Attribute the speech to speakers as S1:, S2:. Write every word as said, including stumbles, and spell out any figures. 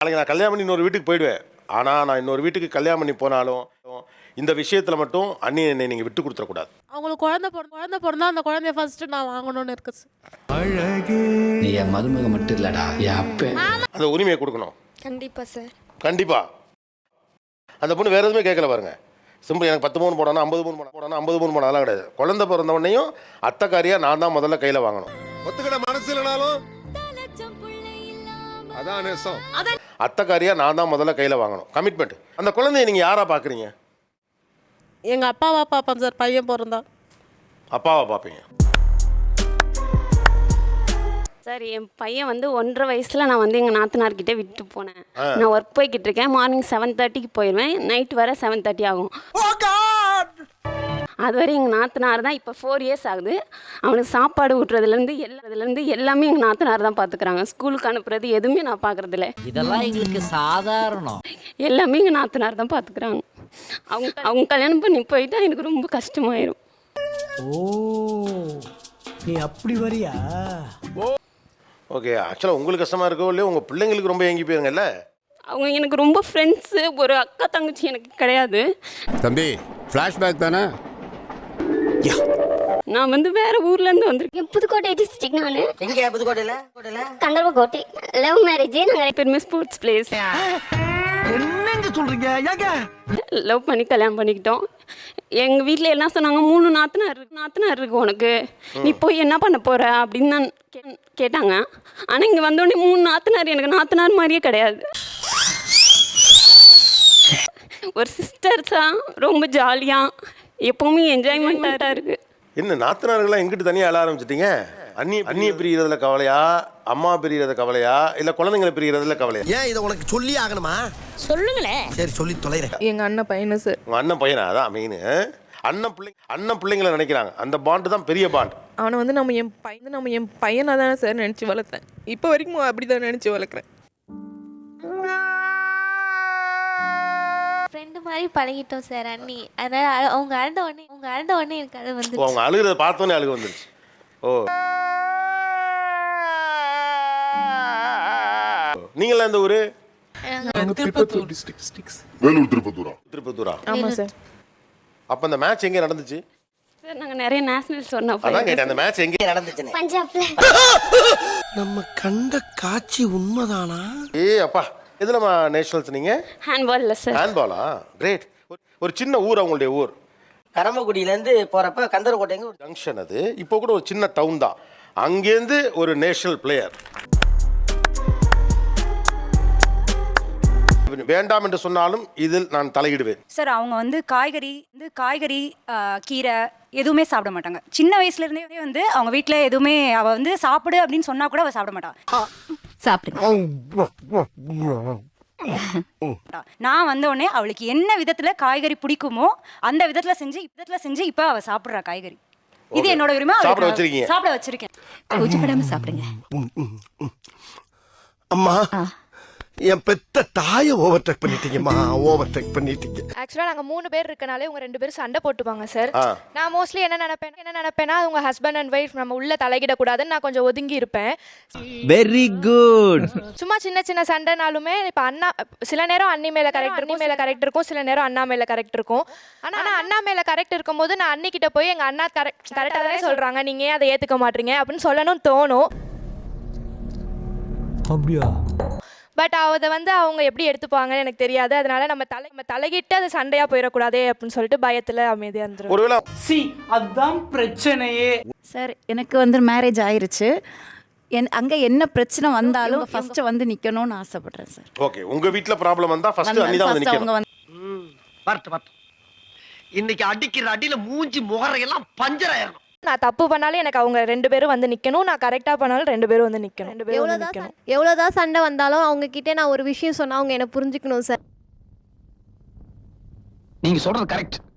S1: நாளைக்கு நான் கல்யாணம் பண்ணி இன்னொரு வீட்டுக்கு போயிடுவேன். ஆனால் நான் இன்னொரு வீட்டுக்கு கல்யாணம் பண்ணி போனாலும் இந்த விஷயத்தில் மட்டும் அண்ணி என்னை நீங்கள் விட்டு கொடுத்துடக்கூடாது.
S2: அவங்களுக்கு குழந்தை பிறந்த குழந்தை பிறந்தா அந்த குழந்தைய ஃபர்ஸ்ட் நான் வாங்கணும்னு இருக்கு சார்.
S3: நீ என் மருமக மட்டும் இல்லடா, என் அப்ப.
S1: அந்த உரிமையை கொடுக்கணும்.
S4: கண்டிப்பா சார்.
S1: கண்டிப்பாக. அந்த பொண்ணு வேறு எதுவுமே கேட்கல பாருங்க. சிம்பிள் எனக்கு பத்து மூணு போடணும், ஐம்பது மூணு போடணும், ஐம்பது மூணு போடணும், அதெல்லாம் கிடையாது. குழந்தை பிறந்தவொடனையும் அத்தைக்காரியாக நான் தான் முதல்ல கையில் வாங்கணும்.
S5: ஒத்துக்கிட மனசு இல்லைனாலும் அதான் நேசம்.
S1: அத்தைக்காரியாக நான் தான் முதல்ல கையில் வாங்கணும். கமிட்மெண்ட். அந்த குழந்தைய நீங்கள் யாராக பார்க்குறீங்க?
S2: எங்க அப்பாவா பாப்பேன் சார். பையன் பிறந்தா
S1: அப்பாவா பார்ப்பீங்க.
S6: சார் என் பையன் வந்து ஒன்றரை வயசில் நான் வந்து எங்கள் நாத்தனார்கிட்ட விட்டு போனேன். நான் ஒர்க் போய்கிட்டு இருக்கேன். மார்னிங் செவன் தேர்ட்டிக்கு போயிடுவேன். நைட் வர செவன் தேர்ட்டி ஆகும். அது வரை எங்கள் நாத்தனார் தான். இப்போ ஃபோர் இயர்ஸ் ஆகுது. அவனுக்கு சாப்பாடு ஊட்டுறதுலேருந்து எல்லாத்துலேருந்து எல்லாமே எங்கள் நாத்தனார் தான் பார்த்துக்குறாங்க. ஸ்கூலுக்கு அனுப்புறது எதுவுமே நான் பார்க்குறதில்ல.
S7: இதெல்லாம் எங்களுக்கு சாதாரணம்.
S6: எல்லாமே எங்கள் நாத்தனார் தான் பார்த்துக்குறாங்க. அவங்க அவங்க கல்யாணம் பண்ணி போயிட்டா எனக்கு ரொம்ப கஷ்டமாயிரும்.
S8: ஓ, நீ அப்படி வரியா?
S1: ஓகே. ஆக்சுவலாக உங்களுக்கு கஷ்டமாக இருக்கோ இல்லையோ உங்கள் பிள்ளைங்களுக்கு ரொம்ப ஏங்கி போயிருங்கல்ல.
S6: அவங்க எனக்கு ரொம்ப ஃப்ரெண்ட்ஸு. ஒரு அக்கா தங்கச்சி எனக்கு கிடையாது.
S5: தம்பி ஃப்ளாஷ்பேக் தானே?
S6: நான் வந்து வேற ஊர்ல இருந்து வந்திருக்கேன்.
S4: புதுக்கோட்டை டிஸ்ட்ரிக்ட். நானு
S7: எங்க புதுக்கோட்டையில? கோட்டையில
S4: கந்தர்வக்கோட்டை. Love marriage. நாங்க
S6: பெருமை ஸ்போர்ட்ஸ் பிளேஸ்.
S8: என்னங்க சொல்றீங்க? ஏங்க
S6: லவ் பண்ணி கல்யாணம் பண்ணிக்கிட்டோம். எங்கள் வீட்டில் எல்லாம் சொன்னாங்க, மூணு நாத்தனார் இருக்கு நாத்தனார் இருக்கு உனக்கு, நீ போய் என்ன பண்ண போகிற அப்படின்னு தான் கே கேட்டாங்க. ஆனால் இங்கே வந்தோடனே மூணு நாத்தனார் எனக்கு நாத்தனார் மாதிரியே கிடையாது. ஒரு சிஸ்டர்ஸாக ரொம்ப ஜாலியாக எப்போவுமே என்ஜாய்மெண்ட்டாக இருக்குது.
S1: என்ன நாத்தனார்கள்லாம் எங்கிட்டு தனியாக அழ ஆரம்பிச்சிட்டிங்க? அண்ணி அண்ணியை பிரிகிறதுல கவலையா, அம்மா பிரிகிறது கவலையா, இல்லை குழந்தைங்களை பிரிகிறதுல கவலையா?
S8: ஏன் இதை உனக்கு சொல்லி ஆகணுமா?
S4: சொல்லுங்களேன்.
S8: சரி சொல்லி தொலைறேன்.
S2: எங்க அண்ணன் பையனு சார்.
S1: உங்கள் அண்ணன் பையனா? அதான் மெயின். அண்ணன் பிள்ளை அண்ணன் பிள்ளைங்களை நினைக்கிறாங்க. அந்த பாண்டு தான் பெரிய பாண்ட்.
S2: அவனை வந்து நம்ம என் பையன் நம்ம என் பையனாக தானே சார் நினச்சி வளர்த்தேன். இப்போ வரைக்கும் அப்படி தான் நினச்சி வளர்க்குறேன்.
S4: ஃப்ரெண்டு மாதிரி பழகிட்டோம் சார் அண்ணி. அதனால அவங்க அழுத உடனே அவங்க அழுத உடனே எனக்கு அது வந்து
S1: ஓ, அவங்க அழுகிறத பார்த்தோன்னே அழுக வந்துருச்சு. ஓ, நீங்களா இந்த ஊரு?
S5: திருப்பத்தூர் டிஸ்ட்ரிக்ட்.
S9: வேலூர் திருப்பத்தூரா?
S1: திருப்பத்தூரா?
S2: ஆமாம் சார்.
S1: அப்போ அந்த மேட்ச் எங்கே நடந்துச்சு?
S6: சார் நாங்கள் நிறைய நேஷனல் சொன்னோம்.
S1: அதான் கேட்டேன், அந்த மேட்ச் எங்கே
S7: நடந்துச்சுன்னு.
S4: பஞ்சாப்ல.
S8: நம்ம கண்ட காட்சி உண்மைதானா?
S1: ஏ அப்பா, எதுலமா நேஷனல்ஸ் நீங்கள்?
S6: ஹேண்ட்பாலில் சார்.
S1: ஹேண்ட்பாலா? கிரேட். ஒரு சின்ன ஊர் அவங்களுடைய ஊர்.
S7: கரம்பக்குடியிலேருந்து போகிறப்ப கந்தர்வக்கோட்டைங்க ஒரு
S1: ஜங்ஷன். அது இப்போ கூட ஒரு சின்ன டவுன் தான். அங்கேருந்து ஒரு நேஷனல் பிளேயர். வேண்டாம் என்று சொன்னாலும் இதில் நான் தலையிடுவேன்.
S10: சார் அவங்க வந்து காய்கறி வந்து காய்கறி கீரை எதுவுமே சாப்பிட மாட்டாங்க. சின்ன வயசுல இருந்தே வந்து அவங்க வீட்டில் எதுவுமே அவ வந்து சாப்பிடு அப்படின்னு சொன்னா கூட அவ சாப்பிட மாட்டான். சாப்பிடுங்க. நான் வந்த உடனே அவளுக்கு என்ன விதத்துல காய்கறி பிடிக்குமோ அந்த விதத்துல செஞ்சு விதத்துல செஞ்சு இப்ப அவ சாப்பிடுறா காய்கறி. இது என்னோட உரிமை.
S1: சாப்பிட வச்சிருக்கீங்க?
S10: சாப்பிட வச்சிருக்கேன். கூச்சப்படாம சாப்பிடுங்க.
S8: அம்மா, என் பெத்த தாயை ஓவர்டேக் பண்ணிட்டீங்கம்மா, ஓவர்டேக் பண்ணிட்டீங்க.
S4: ஆக்சுவலாக நாங்கள் மூணு பேர் இருக்கனாலே உங்க ரெண்டு பேரும் சண்டை போட்டுப்பாங்க சார். நான் மோஸ்ட்லி என்ன நினைப்பேன் என்ன நினைப்பேன்னா உங்க ஹஸ்பண்ட் அண்ட் ஒய்ஃப் நம்ம உள்ள தலையிடக்கூடாதுன்னு நான் கொஞ்சம் ஒதுங்கி இருப்பேன்.
S3: Very good.
S4: சும்மா சின்ன சின்ன சண்டைனாலுமே இப்போ அண்ணா சில நேரம் அண்ணி மேலே கரெக்ட் இருக்கும், மேலே கரெக்ட் இருக்கும், சில நேரம் அண்ணா மேலே கரெக்ட் இருக்கும். ஆனால் அண்ணா மேலே கரெக்ட் இருக்கும்போது நான் அண்ணி கிட்ட போய் எங்கள் அண்ணா கரெக்ட் கரெக்டாக தானே சொல்கிறாங்க, நீங்கள் ஏன் அதை ஏற்றுக்க மாட்டீங்க அப்படின்னு சொல்லணும்னு தோணும்.
S8: அப்படியா?
S4: பட் அதை வந்து அவங்க எப்படி எடுத்துப்பாங்கன்னு எனக்கு தெரியாது. அதனால நம்ம தலை நம்ம தலைகிட்டு அது சண்டையா போயிடக்கூடாதே அப்படின்னு சொல்லிட்டு பயத்துல அமைதியா இருந்துரும்.
S1: ஒருவேளை
S7: சி அதான் பிரச்சனையே.
S10: சார் எனக்கு வந்து மேரேஜ் ஆயிருச்சு. என் அங்கே என்ன பிரச்சனை வந்தாலும் ஃபர்ஸ்ட் வந்து நிற்கணும்னு ஆசைப்படுறேன் சார்.
S1: ஓகே, உங்க வீட்ல ப்ராப்ளம் வந்தா ஃபர்ஸ்ட் அண்ணி தான் வந்து நிக்கணும்.
S8: வரட்டு வரட்டு. இன்னைக்கு அடிக்கிற அடியில மூஞ்சி முகரையெல்லாம் பஞ்சர் ஆயிரும்.
S4: நான் தப்பு பண்ணாலும் எனக்கு அவங்க ரெண்டு பேரும் வந்து நிக்கணும், நான் கரெக்டா பண்ணாலும் ரெண்டு பேரும் வந்து நிக்கணும். ரெண்டு பேரும் வந்து நிக்கணும்.
S11: எவ்வளோதான் சண்டை வந்தாலும் அவங்க கிட்டே நான் ஒரு விஷயம் சொன்னா அவங்க என்ன புரிஞ்சுக்கணும் சார்.
S7: நீங்க சொல்றது கரெக்ட்.